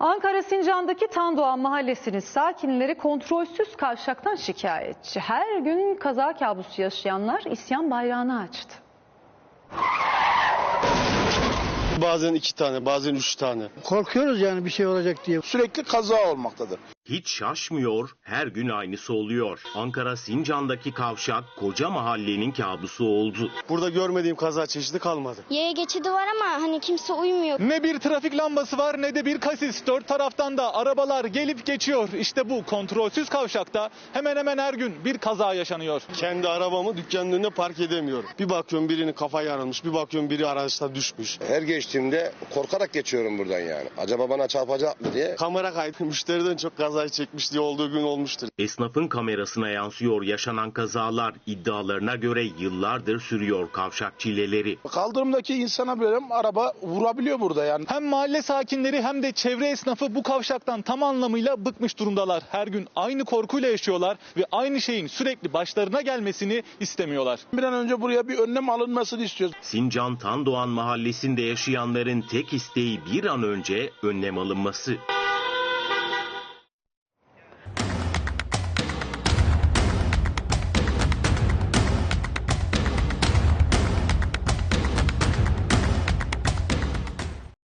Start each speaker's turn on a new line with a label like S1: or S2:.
S1: Ankara Sincan'daki Tandoğan Mahallesi'nin sakinleri kontrolsüz kavşaktan şikayetçi. Her gün kaza kabusu yaşayanlar isyan bayrağını açtı.
S2: Bazen 2 tane, bazen 3 tane.
S3: Korkuyoruz yani bir şey olacak diye.
S4: Sürekli kaza olmaktadır.
S5: Hiç şaşmıyor, her gün aynısı oluyor. Ankara Sincan'daki kavşak koca mahallenin kabusu oldu.
S2: Burada görmediğim kaza çeşidi kalmadı.
S6: Yaya geçidi var ama hani kimse uymuyor.
S7: Ne bir trafik lambası var ne de bir kasis. Dört taraftan da arabalar gelip geçiyor. İşte bu kontrolsüz kavşakta hemen hemen her gün bir kaza yaşanıyor.
S2: Kendi arabamı dükkanın önüne park edemiyorum. Bir bakıyorum birinin kafa yarılmış, bir bakıyorum biri araçta düşmüş.
S4: Her geçtiğimde korkarak geçiyorum buradan yani. Acaba bana çarpacak mı diye.
S2: Kamera kaydı müşteriden çok kazayı çekmiş diye olduğu gün olmuştur.
S5: Esnafın kamerasına yansıyor yaşanan kazalar. İddialarına göre yıllardır sürüyor kavşak çileleri.
S4: Kaldırımdaki insana böyle araba vurabiliyor burada yani.
S7: Hem mahalle sakinleri hem de çevre esnafı bu kavşaktan tam anlamıyla bıkmış durumdalar. Her gün aynı korkuyla yaşıyorlar ve aynı şeyin sürekli başlarına gelmesini istemiyorlar.
S4: Bir an önce buraya bir önlem alınmasını istiyoruz.
S5: Sincan Tandoğan Mahallesi'nde yaşayanların tek isteği bir an önce önlem alınması.